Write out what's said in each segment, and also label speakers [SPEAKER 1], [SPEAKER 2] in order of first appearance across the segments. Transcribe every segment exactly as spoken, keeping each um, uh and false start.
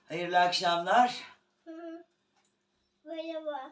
[SPEAKER 1] Hayırlı akşamlar.
[SPEAKER 2] Hı. Merhaba.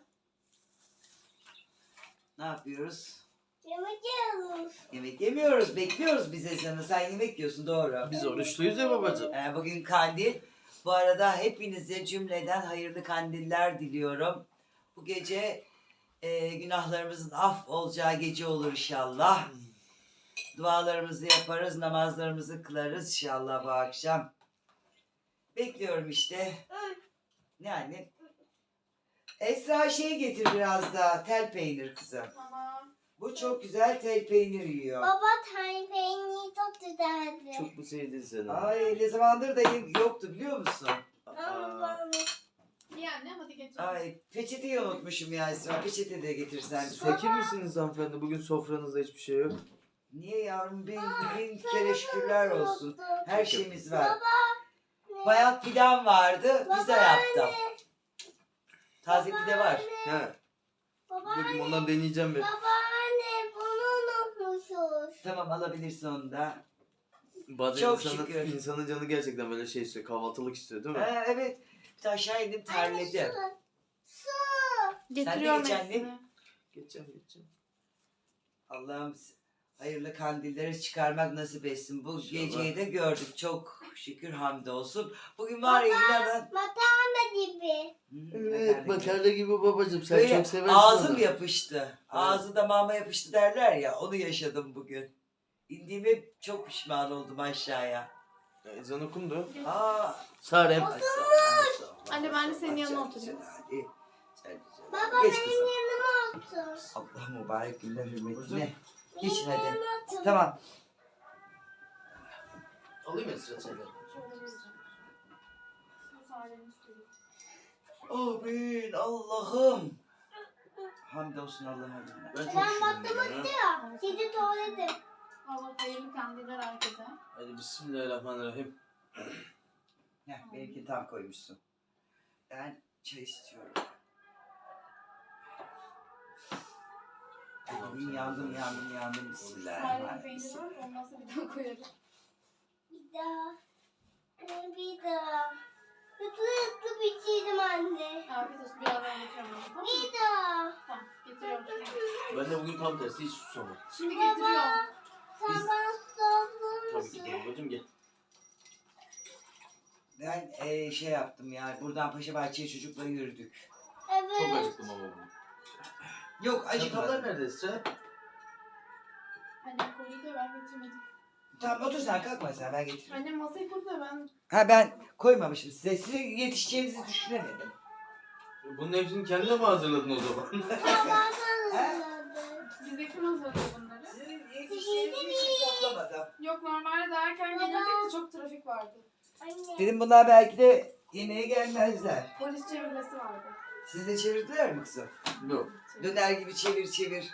[SPEAKER 1] Ne yapıyoruz?
[SPEAKER 2] Yemek yiyoruz.
[SPEAKER 1] Yemek yemiyoruz. Bekliyoruz biz Esen'i. Sen yemek yiyorsun, doğru.
[SPEAKER 3] Biz oruçluyuz ya babacığım.
[SPEAKER 1] Ee, bugün kandil. Bu arada hepinize cümleden hayırlı kandiller diliyorum. Bu gece e, günahlarımızın af olacağı gece olur inşallah. Dualarımızı yaparız, namazlarımızı kılarız inşallah bu akşam. Bekliyorum işte. Yani Esra şey getir biraz daha, tel peynir kızım.
[SPEAKER 4] Tamam.
[SPEAKER 1] Bu çok güzel tel peynir yiyor.
[SPEAKER 2] Baba tane peyniri çok güzeldi.
[SPEAKER 3] Çok mu sevdin sen onu?
[SPEAKER 1] Ay ne zamandır da yem- yoktu biliyor musun?
[SPEAKER 2] Ama
[SPEAKER 3] Aa,
[SPEAKER 2] baba.
[SPEAKER 4] İyi anne hadi geç.
[SPEAKER 1] Ay peçeteyi unutmuşum ya Esra. Peçete de getirsen bize.
[SPEAKER 3] Fakir misiniz hanımefendi? Bugün sofranızda hiçbir şey yok.
[SPEAKER 1] Niye yavrum? Bin, bin kere şükürler olsun. Her şeyimiz var.
[SPEAKER 2] Baba.
[SPEAKER 1] Bayat pidem vardı. Pizza
[SPEAKER 2] Baba,
[SPEAKER 1] yaptım. Taze pide var.
[SPEAKER 3] He.
[SPEAKER 2] Baba
[SPEAKER 3] Bakayım
[SPEAKER 2] anne.
[SPEAKER 3] ondan deneyeceğim bir.
[SPEAKER 2] Baba anne bunu unutmuşuz.
[SPEAKER 1] Tamam alabilirsin onu da.
[SPEAKER 3] Bazen
[SPEAKER 1] Çok
[SPEAKER 3] insanın,
[SPEAKER 1] şükür.
[SPEAKER 3] insanın canı gerçekten böyle şey istiyor. Kahvaltılık istiyor değil mi?
[SPEAKER 1] Ha, evet. Bir de aşağı indim terledim.
[SPEAKER 2] Su.
[SPEAKER 4] Getiriyorum
[SPEAKER 1] geç annem.
[SPEAKER 4] hepsini.
[SPEAKER 3] Geçeceğim geçeceğim.
[SPEAKER 1] Allah'ım hayırlı kandilleri çıkarmak nasip etsin. Bu
[SPEAKER 3] İnşallah.
[SPEAKER 1] geceyi de gördük. Çok şükür hamdolsun. Bugün var ya inanın.
[SPEAKER 2] Makarna gibi.
[SPEAKER 1] Hı,
[SPEAKER 3] Evet
[SPEAKER 1] makarna gibi.
[SPEAKER 3] makarna gibi babacığım. Sen
[SPEAKER 1] Böyle
[SPEAKER 3] çok seversin
[SPEAKER 1] ağzım
[SPEAKER 3] onu.
[SPEAKER 1] yapıştı. Ağzı damağıma yapıştı derler ya. Onu yaşadım bugün. İndiğime çok pişman oldum aşağıya.
[SPEAKER 3] Ezan okundu.
[SPEAKER 1] Aa.
[SPEAKER 3] Sarem.
[SPEAKER 1] Ay, sağ ol, ay, sağ ol,
[SPEAKER 4] Anne,
[SPEAKER 1] ay,
[SPEAKER 4] ben de
[SPEAKER 1] sağ ol.
[SPEAKER 4] senin
[SPEAKER 1] Ay,
[SPEAKER 4] yanına
[SPEAKER 1] sen
[SPEAKER 4] oturayım.
[SPEAKER 1] güzel, hadi. Sen güzel.
[SPEAKER 2] Baba
[SPEAKER 1] Geç
[SPEAKER 2] benim
[SPEAKER 1] kızım.
[SPEAKER 2] yanıma otur.
[SPEAKER 1] Allah mübarek günler hürmetine.
[SPEAKER 2] Benim
[SPEAKER 1] Geçin hadi.
[SPEAKER 2] yanıma otur.
[SPEAKER 1] Tamam.
[SPEAKER 3] Alayım Esra seni.
[SPEAKER 4] Şöyle vereceğim. Bu sareni sürüyor.
[SPEAKER 1] Amin Allah'ım. Hamdolsun Allah'a.
[SPEAKER 3] Ben çok
[SPEAKER 2] Ben
[SPEAKER 3] üşüdüm
[SPEAKER 2] baktım
[SPEAKER 3] ya.
[SPEAKER 2] ya. Kedi tuvaletim.
[SPEAKER 4] Allah hayırlı kandiller herkese.
[SPEAKER 3] Hadi bismillahirrahmanirrahim.
[SPEAKER 1] Heh, benimki tam koymuşsun. Ben çay istiyorum. Bugün yandım yandım yandım.
[SPEAKER 4] Sareni
[SPEAKER 1] Bismillahirrahmanirrahim.
[SPEAKER 4] peyniri var. Olmazsa bir daha koyarım.
[SPEAKER 2] Bir daha. Anne bir daha. Hızlı hızlı bitirdim anne.
[SPEAKER 4] Afiyet olsun. Birazdan getiriyorum. Tamam mı?
[SPEAKER 2] Bir daha.
[SPEAKER 4] Tamam. Getiriyorum şimdi.
[SPEAKER 3] Ben de bugün tam tersi hiç susamadım.
[SPEAKER 4] Şimdi
[SPEAKER 2] Baba.
[SPEAKER 4] getiriyorum.
[SPEAKER 2] Sen
[SPEAKER 3] Biz-
[SPEAKER 2] bana sordun
[SPEAKER 3] Tabii ki de
[SPEAKER 2] musun?
[SPEAKER 3] babacığım gel.
[SPEAKER 1] Ben eee, şey yaptım ya. Buradan Paşa Bahçe'ye çocukla yürüdük.
[SPEAKER 3] Çok
[SPEAKER 2] Evet.
[SPEAKER 3] acıktım ama bugün.
[SPEAKER 1] Yok
[SPEAKER 3] Çatallar
[SPEAKER 1] acıkmadım.
[SPEAKER 3] nerede Esra?
[SPEAKER 4] Annem koydu da ben getirmedim.
[SPEAKER 1] Tamam otur sen kalkma sen ben getiririm.
[SPEAKER 4] Annem masayı kurdu da ben
[SPEAKER 1] Ha ben koymamışım size. Size yetişeceğinizi düşünemedim.
[SPEAKER 3] Bunun hepsini kendine mi hazırladın o zaman?
[SPEAKER 2] Baba hazırladı.
[SPEAKER 4] bize kim hazırladı bunları?
[SPEAKER 1] Sizin yetişeceğinizi hiç toplamadım.
[SPEAKER 4] Yok normalde daha erken
[SPEAKER 2] Baba.
[SPEAKER 4] gelirdik de çok trafik vardı.
[SPEAKER 2] Anne.
[SPEAKER 1] Dedim bunlar belki de yemeğe gelmezler.
[SPEAKER 4] Polis çevirmesi vardı.
[SPEAKER 1] Siz de çevirdiler mi kızım?
[SPEAKER 3] Yok.
[SPEAKER 1] Döner gibi çevir çevir.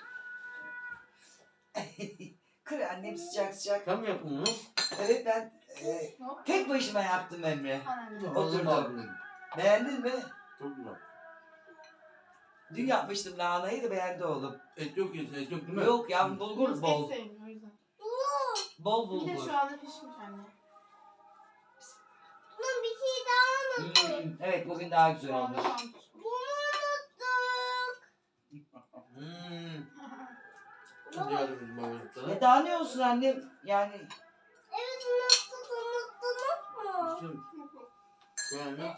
[SPEAKER 1] Kır annem sıcak sıcak.
[SPEAKER 3] Sen mi yaptın bunu?
[SPEAKER 1] Evet ben e,
[SPEAKER 4] Hop.
[SPEAKER 1] tek başıma yaptım Emre.
[SPEAKER 4] Anneannem.
[SPEAKER 1] Oturdum.
[SPEAKER 3] Oturdum.
[SPEAKER 1] Beğendin mi?
[SPEAKER 3] Çok güzel.
[SPEAKER 1] Dün yapmıştım lahanayı da beğendi oğlum.
[SPEAKER 3] Et yok ya, et yok değil mi?
[SPEAKER 1] Yok ya bulgur
[SPEAKER 4] Yunus
[SPEAKER 1] bol.
[SPEAKER 4] et sevmiyor o yüzden.
[SPEAKER 1] Bol
[SPEAKER 4] Bir de
[SPEAKER 1] bulgur.
[SPEAKER 4] şu anda pişmiş anne.
[SPEAKER 2] Bunun bir şey daha unuttuk.
[SPEAKER 1] Hmm, evet bugün daha güzel
[SPEAKER 4] Şu anda
[SPEAKER 1] olmuş.
[SPEAKER 4] şu an pişmiş.
[SPEAKER 2] Bunu unuttuk.
[SPEAKER 3] Hmm.
[SPEAKER 2] Baba.
[SPEAKER 3] Yardım babacığım sana.
[SPEAKER 1] E daha ne olsun annem yani.
[SPEAKER 2] Evet unuttuk unuttunuz mu?
[SPEAKER 3] Şimdi koy anne.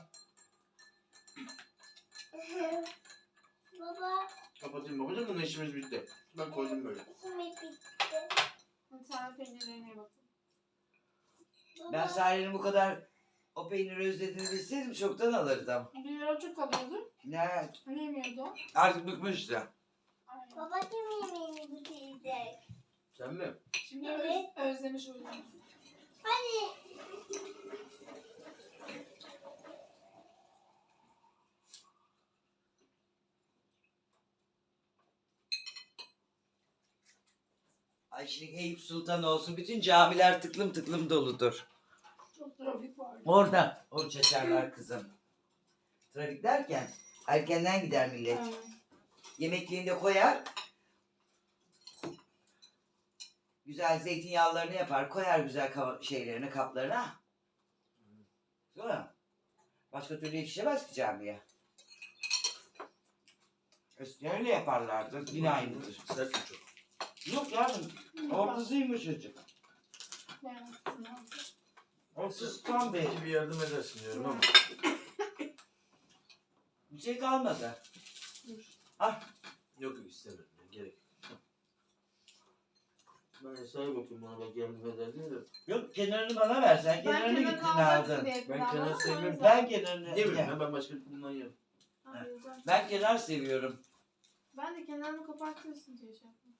[SPEAKER 2] Baba.
[SPEAKER 3] Kapatayım babacığım, bunun işimiz bitti. Ben koydum böyle.
[SPEAKER 2] İşimiz bitti.
[SPEAKER 4] Hadi sen peynirlerine bakın.
[SPEAKER 2] Baba.
[SPEAKER 1] Ben Sare'nin bu kadar o peyniri özlediğini bilseydim çoktan alırdım.
[SPEAKER 4] Bir ara çok alıyordu.
[SPEAKER 1] Ne?
[SPEAKER 4] Hani yemiyordu.
[SPEAKER 1] Artık bıkmıştı.
[SPEAKER 4] Aynen.
[SPEAKER 2] Baba kim yemeğini bitirecek?
[SPEAKER 3] Sen mi?
[SPEAKER 4] Şimdi
[SPEAKER 2] Evet.
[SPEAKER 4] öz, özlemiş o yüzden.
[SPEAKER 2] Hadi.
[SPEAKER 1] Ay şimdi Eyüp Sultan olsun bütün camiler tıklım tıklım doludur.
[SPEAKER 4] Çok trafik vardı.
[SPEAKER 1] Orada oruç açarlar kızım. Trafik derken erkenden gider millet.
[SPEAKER 4] Aynen.
[SPEAKER 1] Yemekliğini de koyar. Güzel zeytinyağlarını yapar. Koyar güzel kava- şeylerini kaplarına. Değil mi? Başka türlü yetişemez ki camiye. Eskiden öyle yaparlardı. Yine aynıdır.
[SPEAKER 3] Sert mi çok?
[SPEAKER 1] Yok yavrum. Ortası yumuşacık.
[SPEAKER 4] Ben sınav.
[SPEAKER 1] Ortası tam bir.
[SPEAKER 3] Belki bir yardım edersin diyorum ama.
[SPEAKER 1] Bir şey kalmadı. Ah.
[SPEAKER 3] Yok yok istemiyorum. ya, Gerek yok. Ben hesabı bakayım bana belki yardım eder diye de.
[SPEAKER 1] Yok kenarını bana versen.
[SPEAKER 4] Ben
[SPEAKER 1] Kenarını
[SPEAKER 4] kenarını
[SPEAKER 1] gittin
[SPEAKER 4] alacaksın
[SPEAKER 1] aldın.
[SPEAKER 4] diye
[SPEAKER 3] Ben
[SPEAKER 4] kullandım
[SPEAKER 3] kenar
[SPEAKER 4] ama
[SPEAKER 3] sevmiyorum.
[SPEAKER 4] o yüzden-
[SPEAKER 1] Ben kenarını...
[SPEAKER 3] Ne bileyim ya ben başka bundan yerim.
[SPEAKER 4] Ha, güzel.
[SPEAKER 1] Ben kenar seviyorum.
[SPEAKER 4] Ben de kenarını kopartıyorsun diye şey yaptım.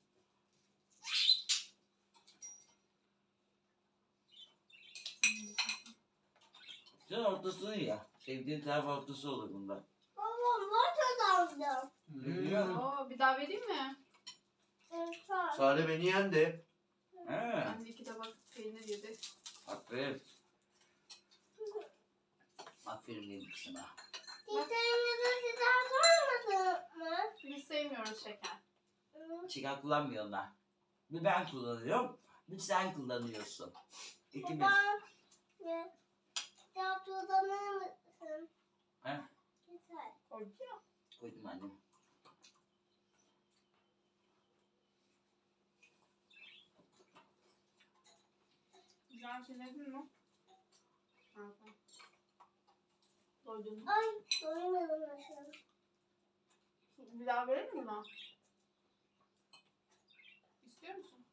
[SPEAKER 1] Sen ortasını ya. Sevdiğin taraf ortası olur bunda.
[SPEAKER 2] Babam var kazandım.
[SPEAKER 1] Biliyorum.
[SPEAKER 4] Oo, bir daha vereyim mi?
[SPEAKER 2] Evet.
[SPEAKER 3] Sare beni yendi.
[SPEAKER 1] He.
[SPEAKER 4] Ben de iki tabak peynir yedi.
[SPEAKER 1] Aferin. Aferin benim kızıma.
[SPEAKER 2] Titreğinizde sizler sormadın mı?
[SPEAKER 4] Biz sevmiyoruz şeker.
[SPEAKER 1] Şeker kullanmıyor onlar. Bir ben kullanıyorum. Bir sen kullanıyorsun. İkimiz.
[SPEAKER 2] Baba. Ne? Ya kullanır mısın?
[SPEAKER 1] He?
[SPEAKER 2] Güzel.
[SPEAKER 4] Koyduk ya.
[SPEAKER 1] Koydum annem.
[SPEAKER 4] Güzel şey yedin mi? Ha, tamam. Doydun mu?
[SPEAKER 2] Ay doymadım nasıl?
[SPEAKER 4] Bir daha verir mi buna? İstiyor musun?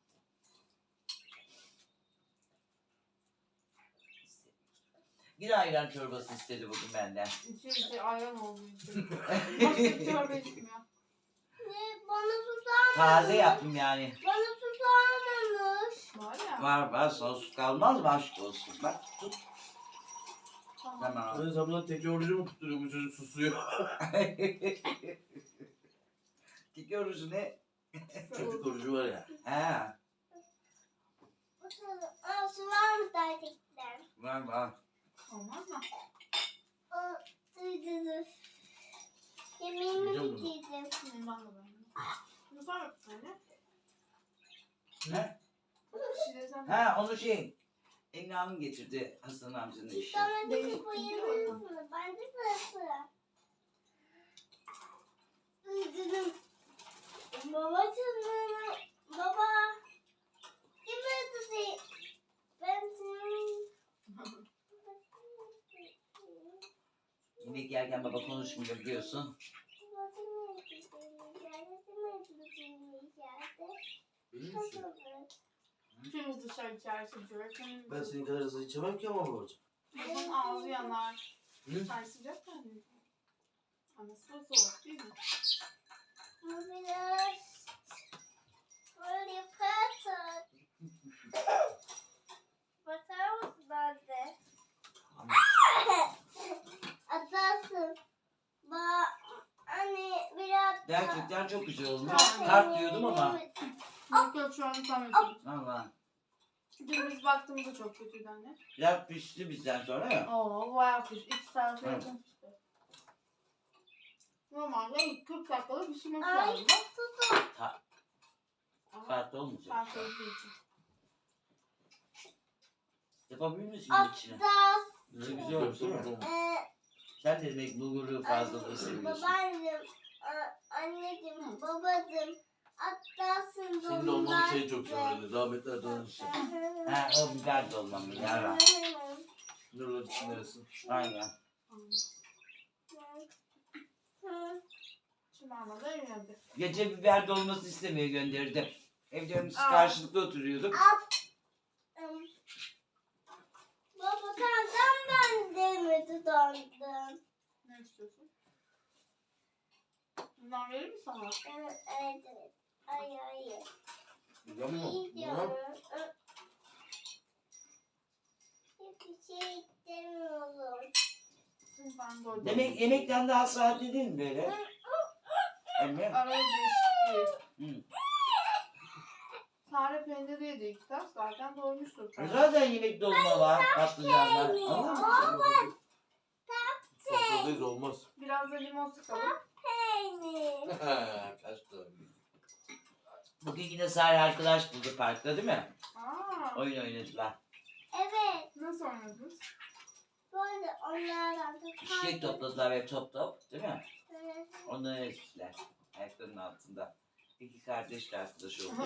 [SPEAKER 1] Bir ayran çorbası istedi bugün benden.
[SPEAKER 4] İçi içi ayran oldu içi. Başka bir çorba içmiyor.
[SPEAKER 2] Ne? Bana susar
[SPEAKER 1] Taze yaptım yani.
[SPEAKER 2] Bana susarmamış.
[SPEAKER 4] Var ya.
[SPEAKER 1] Var var sos kalmaz mı aşk olsun. Bak tut.
[SPEAKER 4] Tamam.
[SPEAKER 1] Tamam.
[SPEAKER 3] Ben sabahdan tekrar orucu mu tutturuyor bu çocuk susuyor.
[SPEAKER 1] Tiki orucu ne?
[SPEAKER 3] Çocuk orucu var ya.
[SPEAKER 1] He.
[SPEAKER 2] Bakalım. Aa su var mı gerçekten?
[SPEAKER 1] Var var.
[SPEAKER 4] Olmaz mı?
[SPEAKER 2] O ıydırır. Yemeğimi
[SPEAKER 3] Yiyeceğim bunu.
[SPEAKER 2] bitirdim.
[SPEAKER 4] Bundan da ben. Bu var bir tane.
[SPEAKER 1] Ne?
[SPEAKER 4] Şişireceğim.
[SPEAKER 1] Ha onu şey. Emine Hanım getirdi Hasan amcanın işi.
[SPEAKER 2] Domatesi
[SPEAKER 4] Değil.
[SPEAKER 2] koyalım mı? Bence burası. Iydırım. Babacığım. Baba. Kim öldürdü? Ben senin...
[SPEAKER 1] Yemek yerken baba konuşmuyor biliyorsun.
[SPEAKER 3] Biliyor musun?
[SPEAKER 4] Hepimiz dışarı içerisi diyor.
[SPEAKER 3] Ben senin kadar hızlı içemem ki ama babacığım.
[SPEAKER 4] Bunun ağzı yanar.
[SPEAKER 3] Hı?
[SPEAKER 4] Çay sıcak mı? Anası da soğuk değil mi?
[SPEAKER 2] Bu biraz böyle patır. Bakar mısın anne? Atarsın. Ba anne biraz
[SPEAKER 1] Gerçekten çok güzel olmuş.
[SPEAKER 4] Tamam.
[SPEAKER 1] Tart diyordum ama.
[SPEAKER 4] Yok yok şu an tam yapıyorum.
[SPEAKER 1] Allah.
[SPEAKER 4] Dün biz baktığımızda çok kötüydü anne.
[SPEAKER 1] Biraz pişti bizden sonra ya.
[SPEAKER 4] Oo bayağı piş. İki saate
[SPEAKER 1] Evet.
[SPEAKER 4] yakın pişti. Normalde kırk dakikada pişirmesi
[SPEAKER 2] Ay
[SPEAKER 4] lazım.
[SPEAKER 2] tutun.
[SPEAKER 4] Ama
[SPEAKER 1] Saatte olmayacak.
[SPEAKER 4] ben sevdiği için.
[SPEAKER 1] Yapabilir misin içine?
[SPEAKER 2] Atlas.
[SPEAKER 1] Ne güzel oldu değil mi?
[SPEAKER 2] Ee,
[SPEAKER 1] Sen de demek bulguru fazlalığı seviyorsun.
[SPEAKER 2] babaannem. a- Anneciğim, babacığım. Atlas'ın
[SPEAKER 3] Senin de olmanın şeyi çok severdi. Rahmetli Erdoğan'ın işi.
[SPEAKER 1] Ha o biber dolmamı yara.
[SPEAKER 3] Nurlar için neresin?
[SPEAKER 1] Aynen.
[SPEAKER 4] Şimdi ama da yöneldi.
[SPEAKER 1] Gece biber dolması istemeye gönderdim. Evde biz
[SPEAKER 4] Aa.
[SPEAKER 1] karşılıklı oturuyorduk.
[SPEAKER 2] Baba kandan ben de mi tutandım?
[SPEAKER 4] Ne istiyorsun? Bundan verir mi sana?
[SPEAKER 2] Evet, evet, evet. Ay, ay.
[SPEAKER 3] Biliyor musun?
[SPEAKER 2] İyi diyorum. Hiçbir şey istemiyorum.
[SPEAKER 4] Ben doydum.
[SPEAKER 1] Demek yemekten daha saatli değil mi böyle? Emre?
[SPEAKER 4] Araya değişikliği.
[SPEAKER 1] Hı.
[SPEAKER 4] Sare peyniri yedi iki tas zaten doymuştur.
[SPEAKER 1] E Zaten yemek dolma var, patlıcanlar. Anladın mı?
[SPEAKER 3] Sofradayız olmaz.
[SPEAKER 4] Biraz da limon sıkalım.
[SPEAKER 2] Peynir.
[SPEAKER 3] Kaçtı.
[SPEAKER 1] Bugün yine Sare arkadaş buldu parkta değil mi?
[SPEAKER 4] Aa,
[SPEAKER 1] Oyun oynadılar.
[SPEAKER 2] Evet.
[SPEAKER 4] nasıl oynadınız?
[SPEAKER 2] Böyle onlardan da
[SPEAKER 1] Çiçek topladılar ve top top değil mi?
[SPEAKER 2] Evet.
[SPEAKER 1] Onları erittiler. Ayaklarının altında. İki kardeş de arkadaş oldu.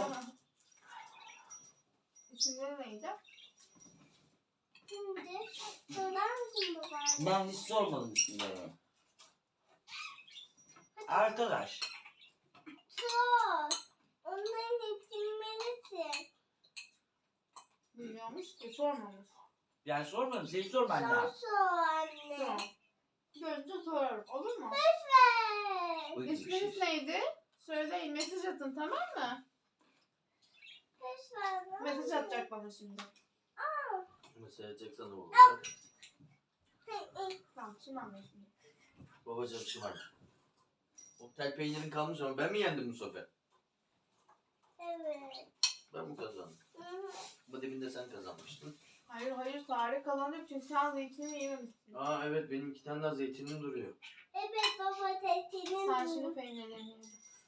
[SPEAKER 4] İsimleri neydi?
[SPEAKER 2] Şimdi sorar mısın baba?
[SPEAKER 1] Ben hiç sormadım isimlerini. Arkadaş.
[SPEAKER 2] Sor. Onların isimlerisin.
[SPEAKER 4] Bilmiyormuş ki sormamış.
[SPEAKER 1] Yani sormadım. Seni sorman
[SPEAKER 2] Sor
[SPEAKER 1] lazım.
[SPEAKER 2] sor anne.
[SPEAKER 4] Tamam. Görünce sorarım. Olur mu?
[SPEAKER 2] Lütfen.
[SPEAKER 1] Uygun bir
[SPEAKER 4] İsminiz
[SPEAKER 1] şey.
[SPEAKER 4] neydi? Söyleyin. Mesaj atın, tamam mı?
[SPEAKER 2] Lütfen.
[SPEAKER 4] Mesaj atacak bana şimdi.
[SPEAKER 3] Mesela edeceksen ne olur?
[SPEAKER 4] Tamam, şimdi anlıyorsun.
[SPEAKER 3] Babacığım şımar. O tel peynirin kalmış ama ben mi yendim bu sefer?
[SPEAKER 2] Evet.
[SPEAKER 3] Ben mi kazandım?
[SPEAKER 2] Hı hı.
[SPEAKER 3] Bu dibinde sen kazanmıştın.
[SPEAKER 4] Hayır hayır, Sare kazanıyor çünkü sen zeytini yememişsin.
[SPEAKER 3] Aa evet benim iki tane daha zeytinim duruyor.
[SPEAKER 2] Evet baba testinin
[SPEAKER 4] Sen şimdi peynirlerini yedin.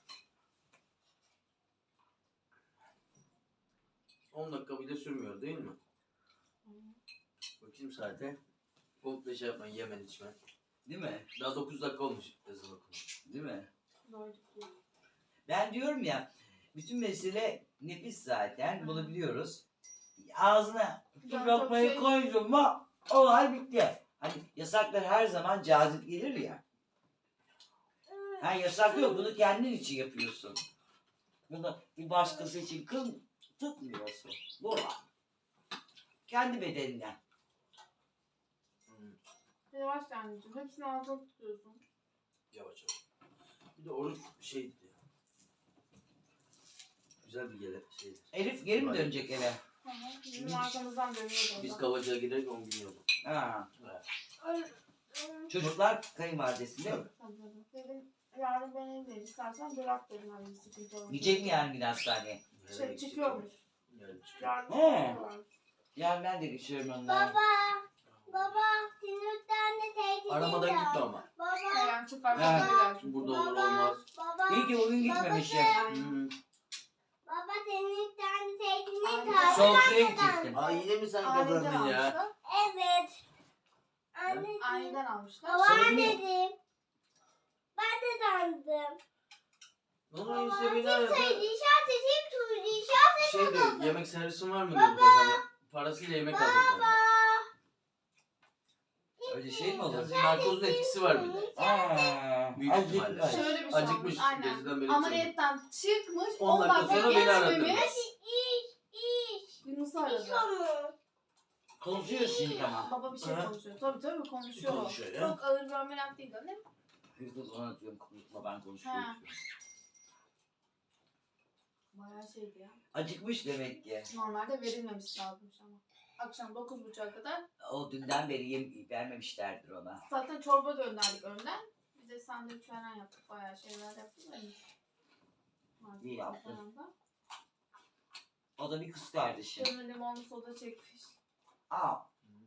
[SPEAKER 3] on dakika bile sürmüyor değil mi? Bakayım saate. Komple şey yapmayın, yemen içmen.
[SPEAKER 1] Değil mi?
[SPEAKER 3] Daha dokuz dakika olmuş ezan okunu.
[SPEAKER 1] Değil mi?
[SPEAKER 4] Doyduk diyor.
[SPEAKER 1] Ben diyorum ya, bütün mesele nefis zaten, bunu biliyoruz. Ağzına bir
[SPEAKER 4] Ben
[SPEAKER 1] lokmayı
[SPEAKER 4] çok şey-
[SPEAKER 1] koydun mu, olay bitti. Hani yasaklar her zaman cazip gelir ya. Ha yasak yok, bunu kendin için yapıyorsun. Bunu bir başkası için kıl tutmuyorsun. Bu var. Kendi bedeninden.
[SPEAKER 3] Hmm,
[SPEAKER 4] Yavaş anneciğim. Hepsini ağzına tutuyorsun.
[SPEAKER 3] yavaş yavaş. Bir de oruç şey güzel bir gele şeydir.
[SPEAKER 1] Elif geri mi
[SPEAKER 3] Vay.
[SPEAKER 1] dönecek eve?
[SPEAKER 4] Hı hı. Bizim arkamızdan dönüyordu.
[SPEAKER 3] Biz
[SPEAKER 4] Biz
[SPEAKER 3] Kavacı'ya giderek on gün yolu.
[SPEAKER 1] Ha.
[SPEAKER 3] Evet.
[SPEAKER 1] Çocuklar kayınvalidesinde mi?
[SPEAKER 4] Dedim yarın ben evdeyim. İstersen bırak dedim. Hani bir sıkıntı olmaz.
[SPEAKER 1] Gidecek mi yarın yine hastaneye?
[SPEAKER 4] Şey,
[SPEAKER 3] Nereye
[SPEAKER 4] çıkıyormuş.
[SPEAKER 3] gidecek? Nereye çıkıyor?
[SPEAKER 4] Yarın
[SPEAKER 1] He.
[SPEAKER 4] çıkıyorlar.
[SPEAKER 1] Yarın ben de geçiyorum onlara.
[SPEAKER 2] Baba. Baba. Sinirden de teyze
[SPEAKER 3] Aramadan gitme ama.
[SPEAKER 2] Baba.
[SPEAKER 4] Yarın çıkar.
[SPEAKER 1] Evet.
[SPEAKER 4] çıkıyorlar.
[SPEAKER 3] Burada olur
[SPEAKER 2] Baba.
[SPEAKER 3] olmaz.
[SPEAKER 2] Baba.
[SPEAKER 1] İyi ki bugün gitmemişim.
[SPEAKER 3] Hmm.
[SPEAKER 2] Baba senin tane teyzenin
[SPEAKER 4] Anne.
[SPEAKER 2] kahve
[SPEAKER 1] Soğuk suya
[SPEAKER 2] kazandı.
[SPEAKER 1] gidecektim.
[SPEAKER 3] Aa yine mi sen
[SPEAKER 4] Aniden
[SPEAKER 3] kazandın ya?
[SPEAKER 4] almışlar.
[SPEAKER 2] Evet. Anneciğim.
[SPEAKER 4] Aniden almışlar.
[SPEAKER 2] Baba
[SPEAKER 3] Sana niye-
[SPEAKER 2] dedim. Ben de sandım.
[SPEAKER 3] Onu
[SPEAKER 2] Baba
[SPEAKER 3] işte beni
[SPEAKER 2] kim
[SPEAKER 3] aradı.
[SPEAKER 2] söyledi? İşaret edeyim turdu. İşaret
[SPEAKER 3] Şey
[SPEAKER 2] edeyim.
[SPEAKER 3] diyor, yemek servisin var mı diyor bu kafana. Parasıyla yemek alacak
[SPEAKER 2] Baba.
[SPEAKER 3] bana.
[SPEAKER 1] Öyle şey mi olur?
[SPEAKER 3] Yani narkozun etkisi var bir de.
[SPEAKER 1] Aa,
[SPEAKER 3] Büyük
[SPEAKER 1] acıkmış.
[SPEAKER 3] ihtimalle.
[SPEAKER 4] Şöyle bir şey
[SPEAKER 3] Acıkmış.
[SPEAKER 4] olmuş. Aynen.
[SPEAKER 3] Geceden beri
[SPEAKER 4] Ameliyetten çıkmış.
[SPEAKER 3] on
[SPEAKER 4] on
[SPEAKER 3] dakika
[SPEAKER 4] dakika
[SPEAKER 3] sonra beni aradı.
[SPEAKER 4] geçmemiş.
[SPEAKER 2] İş, iş.
[SPEAKER 4] Yunus'u
[SPEAKER 2] İş
[SPEAKER 4] aradı.
[SPEAKER 2] onu.
[SPEAKER 1] Konuşuyoruz şimdi ama.
[SPEAKER 4] Baba bir şey
[SPEAKER 3] Aha.
[SPEAKER 4] konuşuyor. Tabii tabii konuşuyor.
[SPEAKER 3] Konuşuyor ya.
[SPEAKER 4] Çok ağır bir ameliyat değil değil mi?
[SPEAKER 1] Kız ona diyorum konuşma ben konuşuyorum.
[SPEAKER 4] Ha. Bayağı şeydi ya.
[SPEAKER 1] Acıkmış demek ki.
[SPEAKER 4] Normalde verilmemiş lazımmış ama. Akşam dokuz buçuğa kadar.
[SPEAKER 1] O dünden beri yem vermemişlerdir ona.
[SPEAKER 4] Zaten çorba gönderdik önden. Bir de sandviç falan yaptık. Bayağı şeyler yaptık. da iyi. Malzeme
[SPEAKER 1] İyi yaptın.
[SPEAKER 4] falan da.
[SPEAKER 1] O da bir kız kardeşim.
[SPEAKER 4] Canım limonlu soda çekmiş.
[SPEAKER 1] Aa,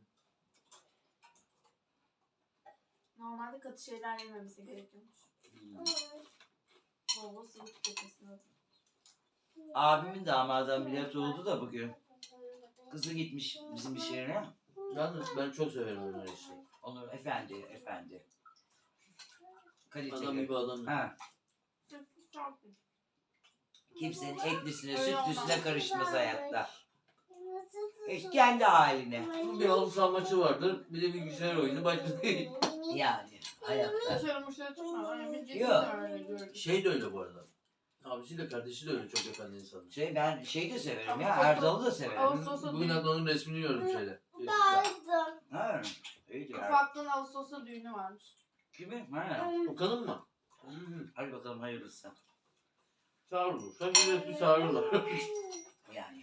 [SPEAKER 4] Normalde katı şeyler yememesi gerekiyormuş.
[SPEAKER 1] hmm.
[SPEAKER 4] Bol bol sıvı tüketmesi lazım.
[SPEAKER 1] Abimin damadı ameliyat oldu da bugün. Kızı gitmiş bizim iş yerine.
[SPEAKER 3] Yalnız ben çok severim onları işte.
[SPEAKER 1] Onur efendi, efendi.
[SPEAKER 3] Adam
[SPEAKER 1] Kaliteli.
[SPEAKER 3] gibi adam.
[SPEAKER 1] Ha,
[SPEAKER 4] Sırf çok iyi.
[SPEAKER 1] kimsenin etlisine,
[SPEAKER 4] Öyle
[SPEAKER 1] sütlüsüne
[SPEAKER 4] olmaz.
[SPEAKER 1] karışmaz hayatta.
[SPEAKER 2] Nasıl
[SPEAKER 1] Hiç kendi haline.
[SPEAKER 3] Bir halı saha maçı vardır. Bir de bilgisayar oyunu başka değil.
[SPEAKER 1] Yani hayatta.
[SPEAKER 4] Dışarı muşları tutma. Öyle bir ciddi
[SPEAKER 1] Yok.
[SPEAKER 4] öyle gördüm.
[SPEAKER 3] Şey de öyle bu arada. Abisi de kardeşi de öyle çok efendi insanlar.
[SPEAKER 1] Şey ben şey de severim ya,
[SPEAKER 4] Ağustos-
[SPEAKER 1] Erdal'ı da severim.
[SPEAKER 4] Ağustos-
[SPEAKER 3] Bugün hatta onun resmini gördüm şeyde.
[SPEAKER 2] Dağıldım.
[SPEAKER 1] Ha, iyidir abi.
[SPEAKER 4] Ufaklığın Ağustos'ta düğünü varmış.
[SPEAKER 1] Kimi? Ha.
[SPEAKER 3] Okan'ın mı? Hmm.
[SPEAKER 1] Hadi bakalım hayırlısı.
[SPEAKER 3] Çağırırlar. Sen bir çağırırlar.
[SPEAKER 1] Yani.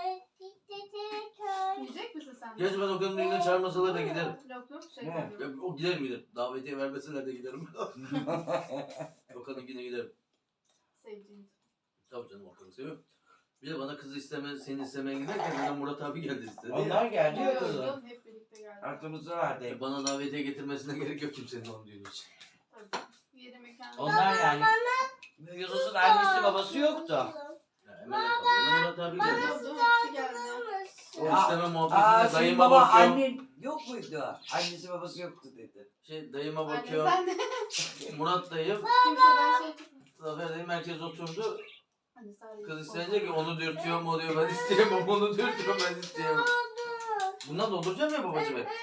[SPEAKER 4] Yiyecek misin sen?
[SPEAKER 3] Gerçi ben Okan'ın düğününe çağırmasalar da giderim.
[SPEAKER 4] Yok yok şey
[SPEAKER 1] Ne?
[SPEAKER 4] koyuyorum.
[SPEAKER 3] Ya, o giderim giderim. Davetiye vermeseler de giderim. Okan'ın güne giderim.
[SPEAKER 4] Sevdiğin.
[SPEAKER 3] Tabii canım Okan'ı seviyorum. Bir de bana kızı isteme, seni istemeye giderken bana Murat abi geldi istedi ya.
[SPEAKER 1] Onlar geldi ya
[SPEAKER 4] Yok
[SPEAKER 1] kızım.
[SPEAKER 4] yok hep birlikte geldik.
[SPEAKER 1] Aklımızda vardı.
[SPEAKER 3] E, Bana davetiye getirmesine gerek yok kimsenin onun düğünü için.
[SPEAKER 4] Tabii. Yeri mekan.
[SPEAKER 1] Onlar yani. Yunus'un annesi babası yoktu.
[SPEAKER 3] Ya, Emel Efendi, Murat abi geldi.
[SPEAKER 4] Geliyordu, hepsi geldi.
[SPEAKER 2] Dağılmış.
[SPEAKER 3] O
[SPEAKER 1] Aa,
[SPEAKER 3] isteme
[SPEAKER 1] Aa,
[SPEAKER 3] muhabbetinde
[SPEAKER 1] senin
[SPEAKER 3] dayıma
[SPEAKER 1] baba
[SPEAKER 3] bakıyorum.
[SPEAKER 1] annen yok muydu? Annesi babası yoktu dedi.
[SPEAKER 3] Şey dayıma
[SPEAKER 4] Anne
[SPEAKER 3] bakıyorum.
[SPEAKER 4] sen de
[SPEAKER 3] Murat dayım,
[SPEAKER 4] kimseden şey çıkmıyor.
[SPEAKER 3] Zafer dayım herkes oturdu.
[SPEAKER 4] Hani sadece
[SPEAKER 3] Kız isteyince ki onu dürtüyorum o diyor ben isteyemem onu dürtüyorum ben isteyemem. Bundan dolduracağım ya babacığım hep.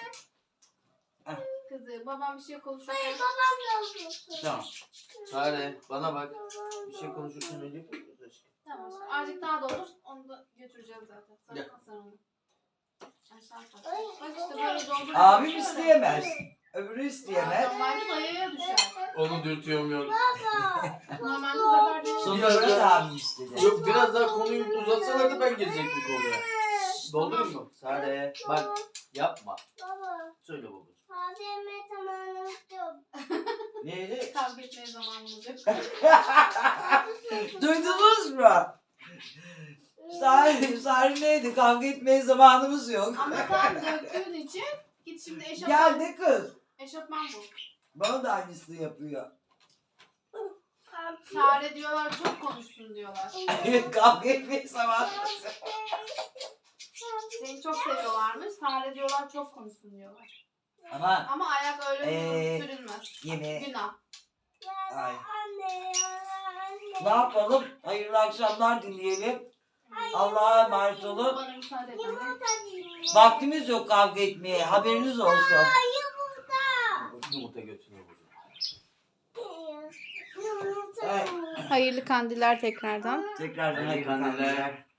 [SPEAKER 4] Kızı babam bir şey konuşuyor.
[SPEAKER 2] Hayır babam da olsun.
[SPEAKER 1] Tamam.
[SPEAKER 3] Sare bana bak. Bir şey konuşursun öyle yapıyoruz aşkım.
[SPEAKER 4] Tamam. Şimdi azıcık daha doldur. Onu da götüreceğiz zaten. Sen
[SPEAKER 3] Gel.
[SPEAKER 4] sen onu. Aşağı kat. Bak işte böyle doldur.
[SPEAKER 1] Abim isteyemez. Öbürü isteyemez.
[SPEAKER 4] Normalde dayıya düşer.
[SPEAKER 3] Onu dürtüyorum yok.
[SPEAKER 4] Normalde zafer değil.
[SPEAKER 3] Sonra
[SPEAKER 1] Sonra
[SPEAKER 3] da-
[SPEAKER 1] da abim istedi.
[SPEAKER 3] Yok biraz daha konuyu uzatsalardı ben girecektim konuya. Doldurayım mı? Sare bak yapma.
[SPEAKER 2] Baba.
[SPEAKER 3] Söyle babacığım.
[SPEAKER 2] Hadi yemeğe tamamlamak yok.
[SPEAKER 1] Neydi?
[SPEAKER 4] Kavga etmeye zamanımız yok.
[SPEAKER 1] Duydunuz mu? Sari, Sari neydi? Kavga etmeye zamanımız yok.
[SPEAKER 4] Ama sen döktüğün için git şimdi
[SPEAKER 1] Gel
[SPEAKER 4] eşofman,
[SPEAKER 1] de kız.
[SPEAKER 4] eşofman bul.
[SPEAKER 1] Bana da aynısını yapıyor.
[SPEAKER 4] Sare diyorlar çok konuşsun diyorlar.
[SPEAKER 1] Kavga etmeye zamanımız yok.
[SPEAKER 4] Seni çok seviyorlarmış. Sare diyorlar çok konuşsun diyorlar.
[SPEAKER 1] Ama
[SPEAKER 4] Ama ayak öyle
[SPEAKER 1] Ee,
[SPEAKER 4] sürülmez.
[SPEAKER 1] yine
[SPEAKER 4] Günah.
[SPEAKER 1] ay.
[SPEAKER 2] Anne ya anne.
[SPEAKER 1] Ne yapalım? Hayırlı akşamlar dileyelim. Allah'a emanet olun.
[SPEAKER 4] Bana müsaade et anne.
[SPEAKER 2] Yumurta diyeyim.
[SPEAKER 1] Vaktimiz yok kavga etmeye. Haberiniz olsun.
[SPEAKER 2] Yumurta.
[SPEAKER 3] Yumurta götürüyor babacığım.
[SPEAKER 2] Yumurta.
[SPEAKER 1] Evet.
[SPEAKER 4] Hayırlı kandiller tekrardan.
[SPEAKER 1] Tekrardan
[SPEAKER 3] Hayırlı
[SPEAKER 1] hayırlı
[SPEAKER 3] kandiller.
[SPEAKER 1] kandiller.